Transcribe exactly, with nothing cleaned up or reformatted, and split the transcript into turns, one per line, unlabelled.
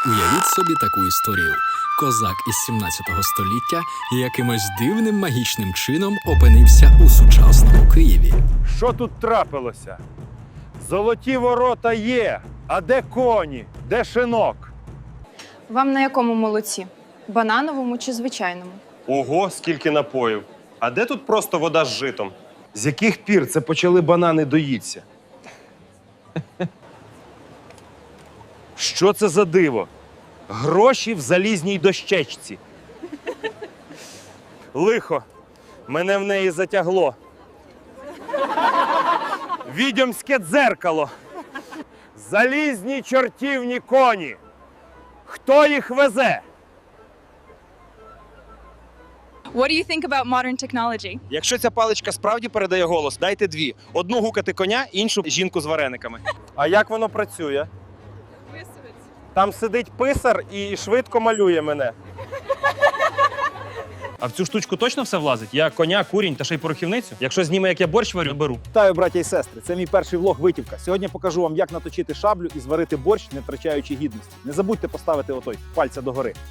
Уявіть собі таку історію. Козак із сімнадцятого століття якимось дивним магічним чином опинився у сучасному Києві.
Що тут трапилося? Золоті ворота є, а де коні? Де шинок?
Вам на якому молоці? Банановому чи звичайному?
Ого, скільки напоїв. А де тут просто вода з житом?
З яких пір це почали банани доїться? Що це за диво? Гроші в залізній дощечці. Лихо, мене в неї затягло. Відьомське дзеркало. Залізні чортівні коні. Хто їх везе?
What do you think about modern technology?
Якщо ця паличка справді передає голос, дайте дві. Одну гукати коня, іншу жінку з варениками.
А як воно працює? Там сидить писар і швидко малює мене.
А в цю штучку точно все влазить? Я коня, курінь та ще й порохівницю? Якщо зніме, як я борщ варю, беру.
Вітаю, браття і сестри! Це мій перший влог «Витівка». Сьогодні покажу вам, як наточити шаблю і зварити борщ, не втрачаючи гідності. Не забудьте поставити отой пальця догори.